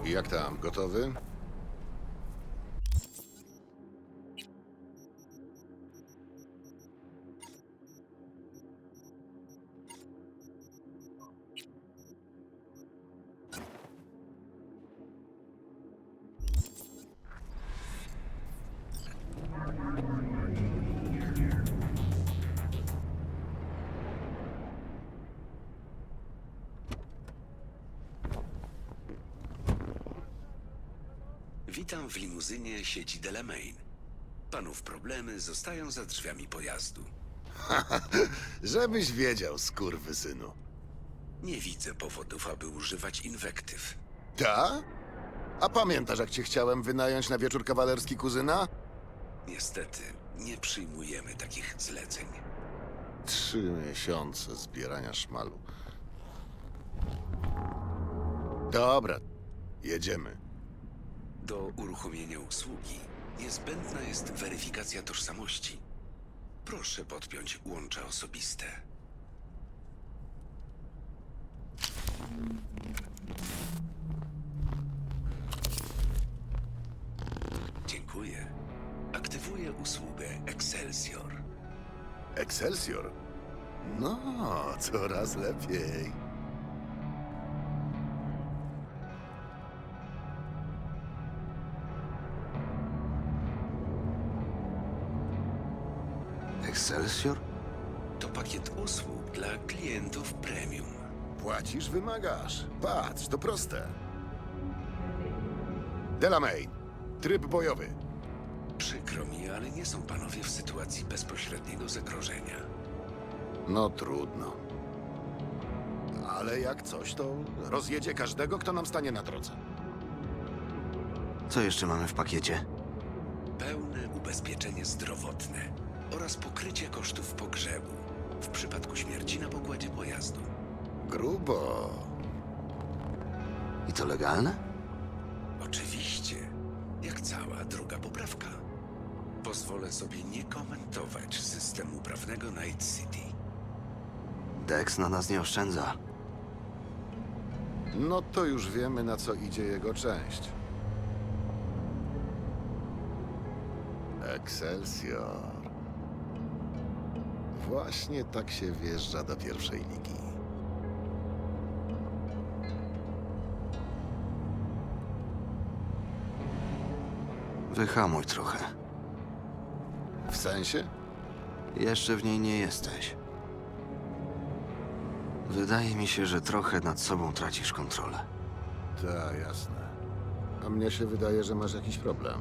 Jak tam, gotowy? Witam w limuzynie sieci Delamain. Panów problemy zostają za drzwiami pojazdu. Żebyś wiedział, skurwysynu. Nie widzę powodów, aby używać inwektyw. Ta? A pamiętasz, jak cię chciałem wynająć na wieczór kawalerski kuzyna? Niestety, nie przyjmujemy takich zleceń. 3 miesiące zbierania szmalu. Dobra, jedziemy. Do uruchomienia usługi niezbędna jest weryfikacja tożsamości. Proszę podpiąć łącza osobiste. Dziękuję. Aktywuję usługę Excelsior. Excelsior? No, coraz lepiej. Excelsior? To pakiet usług dla klientów premium. Płacisz, wymagasz. Patrz, to proste. Delamain, tryb bojowy. Przykro mi, ale nie są panowie w sytuacji bezpośredniego zagrożenia. No trudno. Ale jak coś, to rozjedzie każdego, kto nam stanie na drodze. Co jeszcze mamy w pakiecie? Pełne ubezpieczenie zdrowotne oraz pokrycie kosztów pogrzebu w przypadku śmierci na pokładzie pojazdu. Grubo. I to legalne? Oczywiście, jak cała druga poprawka. Pozwolę sobie nie komentować systemu prawnego Night City. Dex na nas nie oszczędza. No to już wiemy, na co idzie jego część. Excelsior. Właśnie tak się wjeżdża do pierwszej ligi. Wyhamuj trochę. W sensie? Jeszcze w niej nie jesteś. Wydaje mi się, że trochę nad sobą tracisz kontrolę. Tak, jasne. A mnie się wydaje, że masz jakiś problem.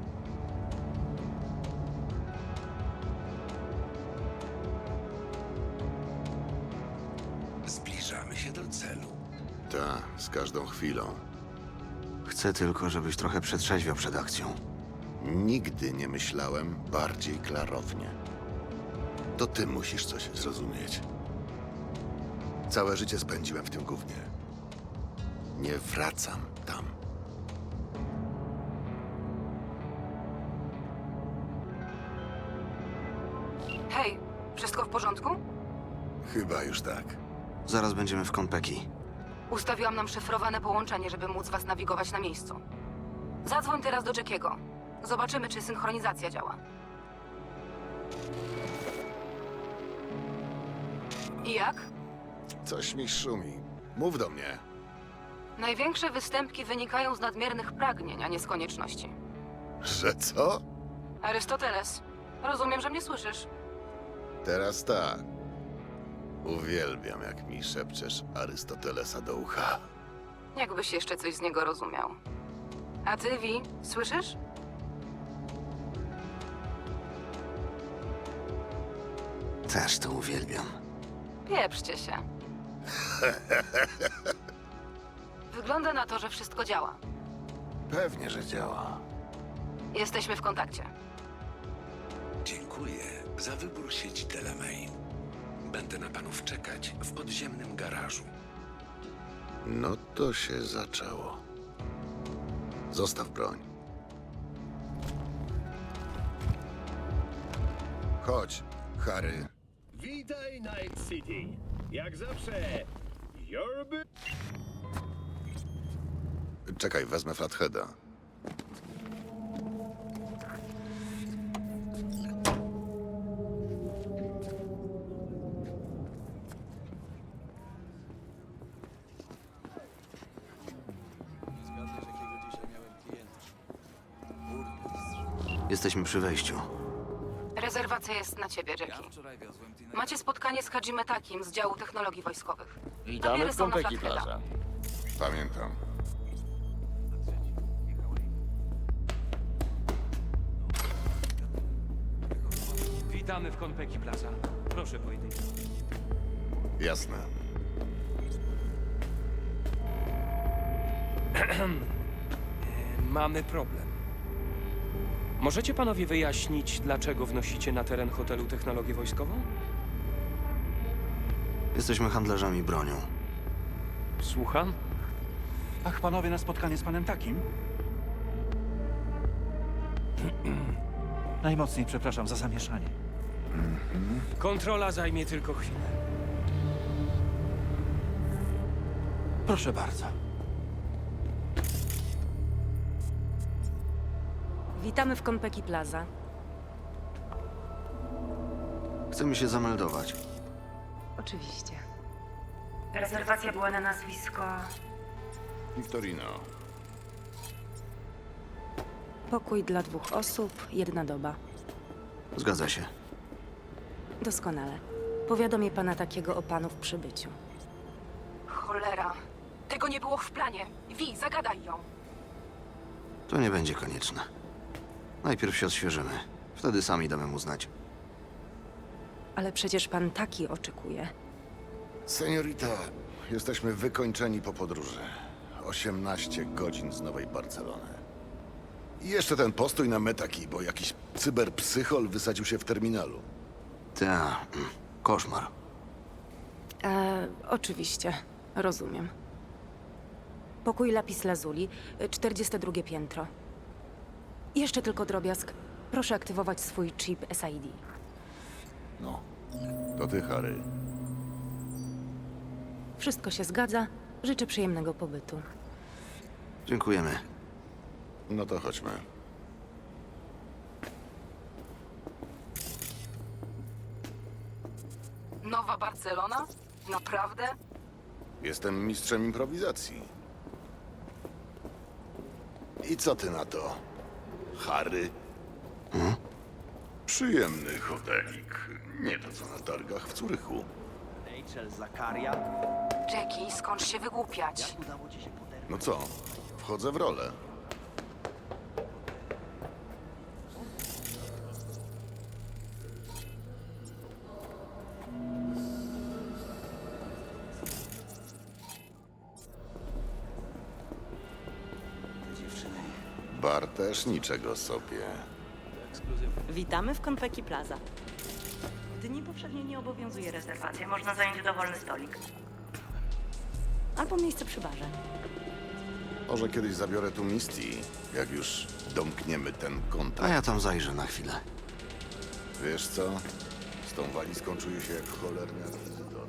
Zbliżamy się do celu. Tak, z każdą chwilą. Chcę tylko, żebyś trochę przetrzeźwiał przed akcją. Nigdy nie myślałem bardziej klarownie. To ty musisz coś zrozumieć. Całe życie spędziłem w tym gównie. Nie wracam tam. Hej, wszystko w porządku? Chyba już tak. Zaraz będziemy w Konpeki. Ustawiłam nam szyfrowane połączenie, żeby móc was nawigować na miejscu. Zadzwoń teraz do Jackiego. Zobaczymy, czy synchronizacja działa. I jak? Coś mi szumi. Mów do mnie. Największe występki wynikają z nadmiernych pragnień, a nie z konieczności. Że co? Arystoteles, rozumiem, że mnie słyszysz. Teraz tak. Uwielbiam, jak mi szepczesz Arystotelesa do ucha. Jakbyś jeszcze coś z niego rozumiał. A ty, Vi, słyszysz? Też to uwielbiam. Pieprzcie się. Wygląda na to, że wszystko działa. Pewnie, że działa. Jesteśmy w kontakcie. Dziękuję za wybór sieci Delamain. Będę na panów czekać w podziemnym garażu. No to się zaczęło. Zostaw broń. Chodź, Harry. Witaj, Night City. Jak zawsze, Yorby... Czekaj, wezmę Flatheada. Jesteśmy przy wejściu. Rezerwacja jest na ciebie, Jackie. Macie spotkanie z Hajime Takim z działu technologii wojskowych. Witamy Papiery w są na Konpeki Flatheada. Plaza. Pamiętam. Witamy w Konpeki Plaza. Proszę pojedynczy. Jasne. Mamy problem. Możecie panowie wyjaśnić, dlaczego wnosicie na teren hotelu technologię wojskową? Jesteśmy handlarzami bronią. Słucham? Ach, panowie, na spotkanie z panem Takim? Najmocniej przepraszam za zamieszanie. Kontrola zajmie tylko chwilę. Proszę bardzo. Witamy w Konpeki Plaza. Chcemy się zameldować. Oczywiście. Rezerwacja była na nazwisko... Victorino. Pokój dla 2 osób, 1 doba. Zgadza się. Doskonale. Powiadomię pana Takiego o panu w przybyciu. Cholera. Tego nie było w planie. Wi, zagadaj ją. To nie będzie konieczne. Najpierw się odświeżymy. Wtedy sami damy mu znać. Ale przecież pan Taki oczekuje. Seniorita, jesteśmy wykończeni po podróży. 18 godzin z Nowej Barcelony. I jeszcze ten postój na Metaki, bo jakiś cyberpsychol wysadził się w terminalu. Koszmar. Oczywiście. Rozumiem. Pokój Lapis Lazuli, 42 piętro. Jeszcze tylko drobiazg. Proszę aktywować swój chip SID. No, to ty, Harry. Wszystko się zgadza. Życzę przyjemnego pobytu. Dziękujemy. No to chodźmy. Nowa Barcelona? Naprawdę? Jestem mistrzem improwizacji. I co ty na to, Harry? Przyjemny hotelik. Nie to co na targach w Curychu. Jackie, skąd się wygłupiać? No co? Wchodzę w rolę. Bar też niczego sobie. Witamy w Konpeki Plaza. Dni powszechnie nie obowiązuje rezerwacja. Można zająć dowolny stolik. Albo miejsce przy barze. Może kiedyś zabiorę tu Misty, jak już domkniemy ten A kontakt. ja tam zajrzę na chwilę. Wiesz co? Z tą walizką czuję się jak cholerny akwizytor.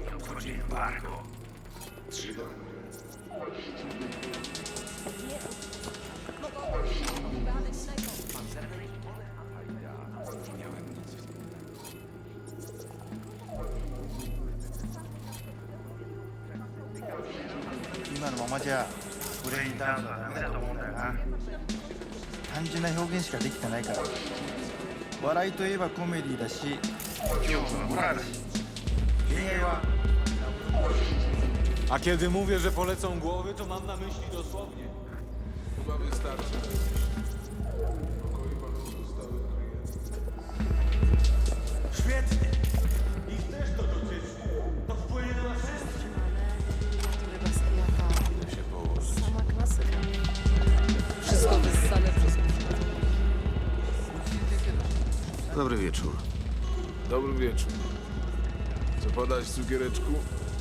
A kiedy mówię, że polecą głowy, to mam na myśli dosłownie. Chyba wystarczy. Świetnie! Ich też to dotyczy. To wpłynie na nas wszystkich. Idę się położyć. Sama klasyka. Wszystko wyssane przez... Dobry wieczór. Dobry wieczór. Co podać, cukiereczku?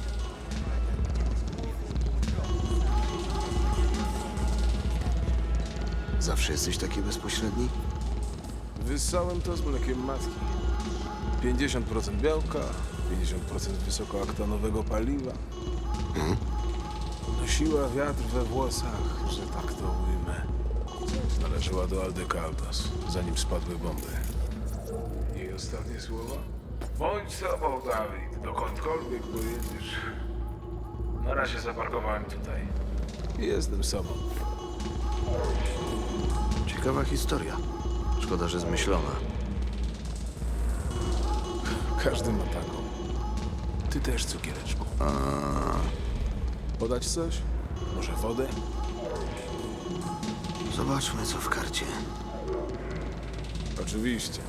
Zawsze jesteś taki bezpośredni? Wyssałem to z mlekiem matki. 50% białka, 50% wysokoaktanowego paliwa. No Nosiła wiatr we włosach, że tak to ujmę. Należała do Aldecaldos, zanim spadły bomby. Jej ostatnie słowa? Bądź sobą, Dawid, dokądkolwiek pojedziesz. Na razie zaparkowałem tutaj. Jestem sobą. Ciekawa historia. Szkoda, że zmyślona. Każdy ma taką. Ty też, cukiereczku. Podać coś? Może wodę? Zobaczmy, co w karcie. Oczywiście.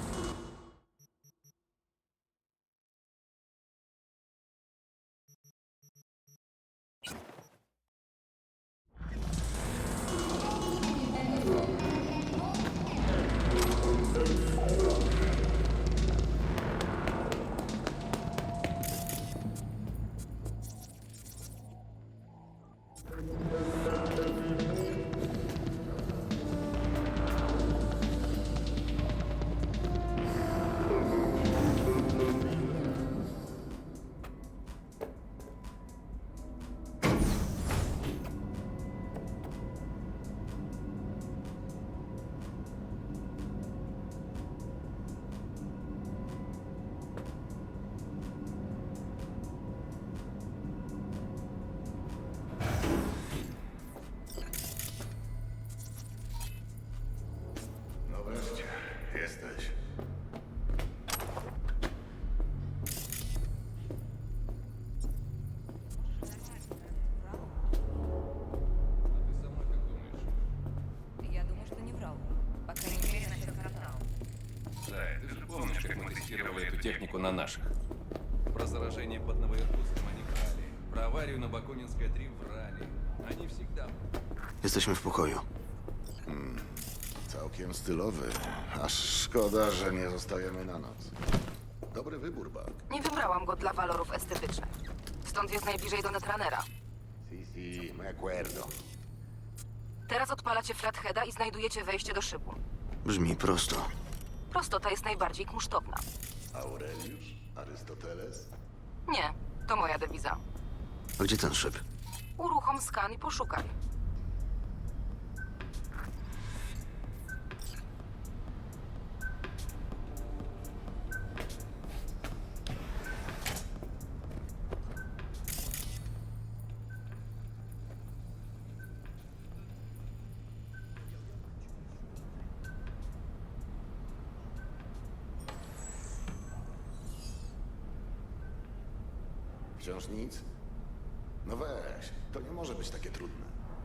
No wreszcie, jesteś. Я думаю, что не врал. По крайней мере, насчет картала. Да, ты же помнишь, как мы тестировали эту технику на наших. Про заражение под Новоиркутском они врали. Про аварию на Бакунинской 3 врали. Они всегда... Jesteśmy w pokoju. Całkiem stylowy. Aż szkoda, że nie zostajemy na noc. Dobry wybór, Buck. Nie wybrałam go dla walorów estetycznych. Stąd jest najbliżej do Netrunnera. Si, me acuerdo. Teraz odpalacie flatheada i znajdujecie wejście do szybu. Brzmi prosto. Prostota jest najbardziej kunsztowna. Aureliusz? Arystoteles? Nie, to moja dewiza. A gdzie ten szyb? Uruchom skan i poszukaj. Wciąż nic? No weź, to nie może być takie trudne.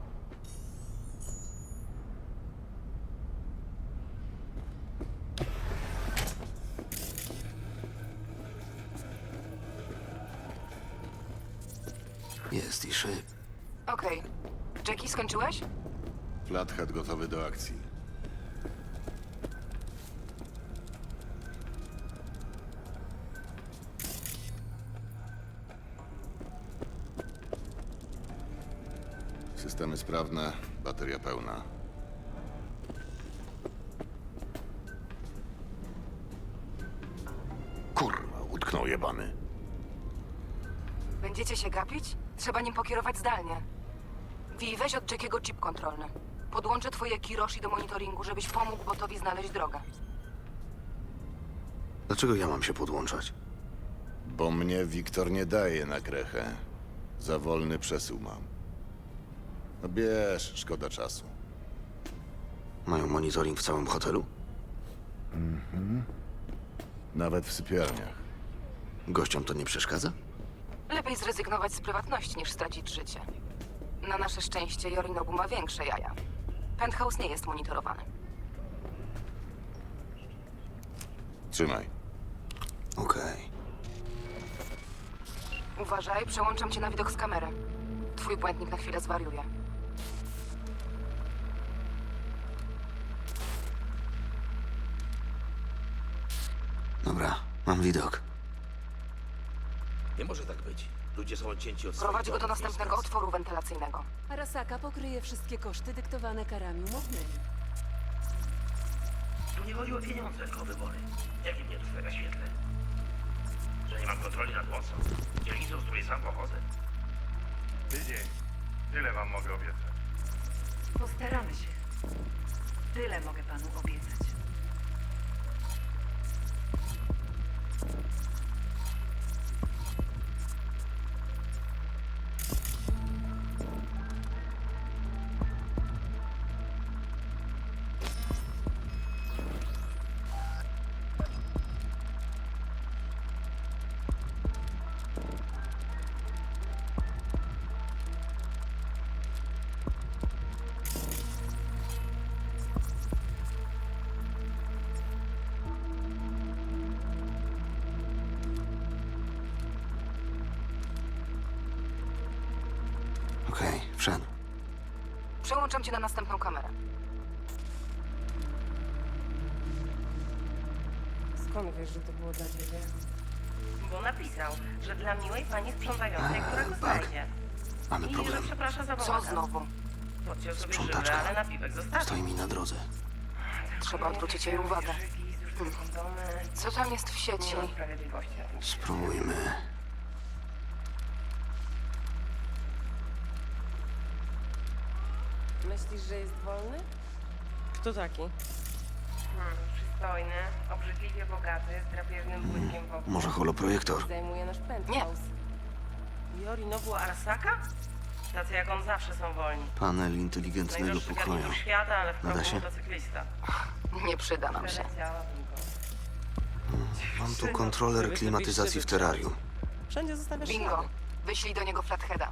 Jest i szyb. Okej. Jackie, skończyłeś? Flathead gotowy do akcji. Systemy sprawne, bateria pełna. Kurwa, utknął jebany. Będziecie się gapić? Trzeba nim pokierować zdalnie. Wi, weź od Jackiego chip kontrolny. Podłączę twoje Kiroshi do monitoringu, żebyś pomógł botowi znaleźć drogę. Dlaczego ja mam się podłączać? Bo mnie Wiktor nie daje na krechę. Za wolny przesył mam. No bierz, szkoda czasu. Mają monitoring w całym hotelu? Nawet w sypialniach. Gościom to nie przeszkadza? Lepiej zrezygnować z prywatności, niż stracić życie. Na nasze szczęście Yorinobu ma większe jaja. Penthouse nie jest monitorowany. Trzymaj. Okej. Uważaj, przełączam cię na widok z kamery. Twój błędnik na chwilę zwariuje. Dobra, mam widok. Nie może tak być. Ludzie są odcięci od Prowadź swoich go do domów, następnego jest otworu wentylacyjnego. Arasaka pokryje wszystkie koszty dyktowane karami umownymi. Tu nie chodzi o pieniądze, tylko o wybory. Jakie mnie tu stawia świetle? Że nie mam kontroli nad mocą. Dzielnicą, z której sam pochodzę. Tydzień. Tyle wam mogę obiecać. Postaramy się. Tyle mogę panu obiecać. Okej, wszedł. Przełączam cię na następną kamerę. Skąd wiesz, że to było dla ciebie? Bo napisał, że dla miłej pani sprzątającej, która go tak. znajdzie. Mamy I że problem. przeprasza za Co bałagan. znowu? Podciął sobie żywę, Sprzątaczka. ale napiwek zostawił. Stoi mi na drodze. Trzeba odwrócić jej uwagę. Co tam jest w sieci? Nie ma sprawiedliwości na tym świecie. Spróbujmy. Myślisz, że jest wolny? Kto taki? Przystojny, obrzydliwie bogaty, z drapieżnym błyskiem wokół. Może holoprojektor? Zajmuje nasz penthouse. Yorinobu Arasaka? Tacy jak on zawsze są wolni. Panel inteligentnego Najdroższy pokroju. garnitur świata, ale w Nada progu się? motocyklista. Nie przyda nam się. Przeleciałabym go. Mam tu kontroler klimatyzacji w terrarium. Wszędzie zostawiasz Bingo. ślady. Wyślij do niego flatheada.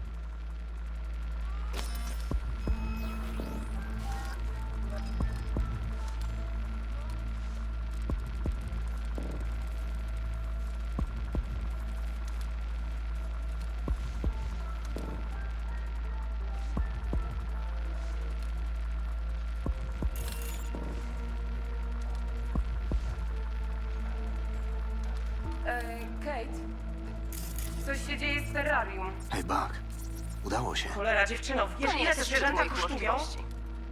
Kate, coś się dzieje z terrarium. Hej, Buck. Udało się. Cholera, dziewczyno, wiesz To nie ile te jest szczyt zwierzęta moich kosztują? możliwości.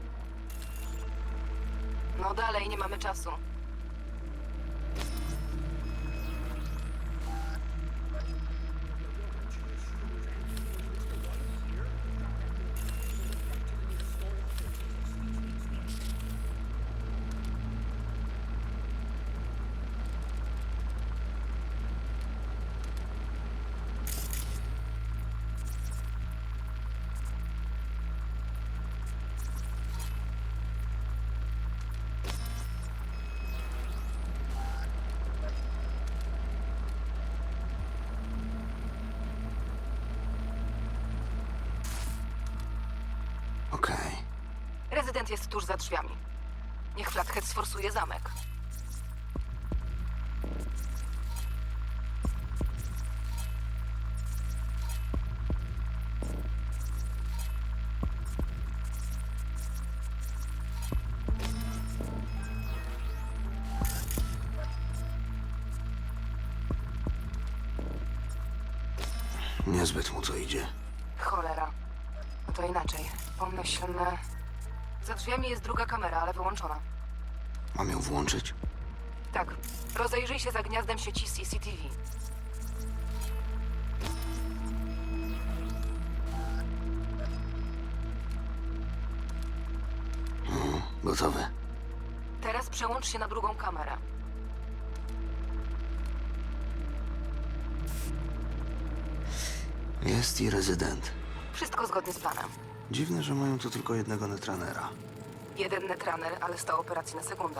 No dalej, nie mamy czasu. Okej. Rezydent jest tuż za drzwiami. Niech Flathead sforsuje zamek. Niezbyt mu to idzie. Cholera. No to inaczej. Pomyślmy... Za drzwiami jest druga kamera, ale wyłączona. Mam ją włączyć? Tak. Rozejrzyj się za gniazdem sieci CCTV. Gotowe. Teraz przełącz się na drugą kamerę. Jest i rezydent. Wszystko zgodnie z planem. Dziwne, że mają tu tylko jednego netranera. Jeden netraner, ale 100 operacji na sekundę.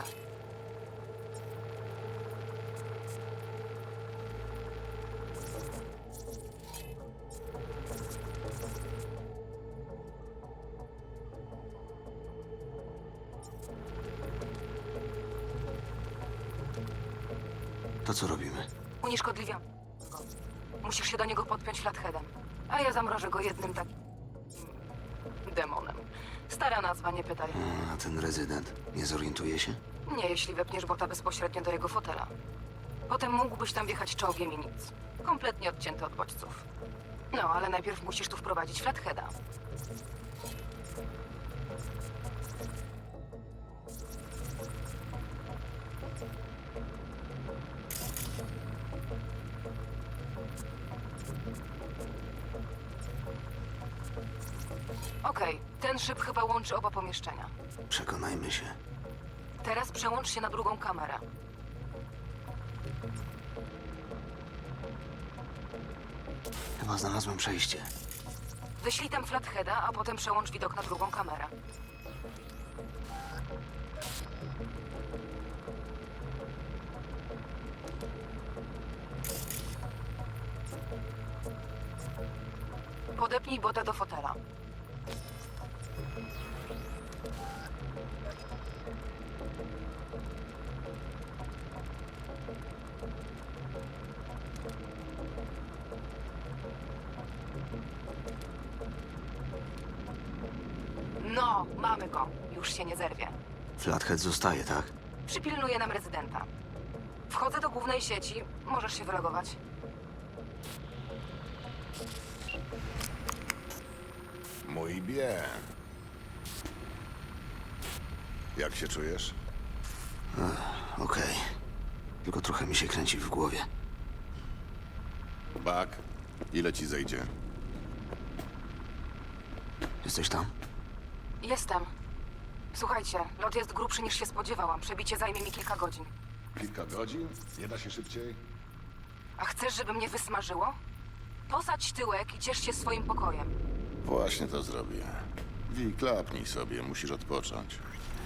To co robimy? Unieszkodliwiam go. Musisz się do niego podpiąć flatheadem. A ja zamrożę go jednym takim... demonem. Stara nazwa, nie pytaj. A ten rezydent nie zorientuje się? Nie, jeśli wepniesz bota bezpośrednio do jego fotela. Potem mógłbyś tam wjechać czołgiem i nic. Kompletnie odcięty od bodźców. No, ale najpierw musisz tu wprowadzić flatheada. Okej, ten szyb chyba łączy oba pomieszczenia. Przekonajmy się. Teraz przełącz się na drugą kamerę. Chyba znalazłem przejście. Wyślij tam flatheada, a potem przełącz widok na drugą kamerę. Podepnij bota do fotela. No, mamy go. Już się nie zerwie. Flathead zostaje, tak? Przypilnuje nam rezydenta. Wchodzę do głównej sieci. Możesz się wylogować. Mój bien. Jak się czujesz? Okej. Tylko trochę mi się kręci w głowie. Buck, ile ci zejdzie? Jesteś tam? Jestem. Słuchajcie, lot jest grubszy niż się spodziewałam. Przebicie zajmie mi kilka godzin. Kilka godzin? Nie da się szybciej? A chcesz, żeby mnie wysmażyło? Posadź tyłek i ciesz się swoim pokojem. Właśnie to zrobię. Wi, klapnij sobie, musisz odpocząć.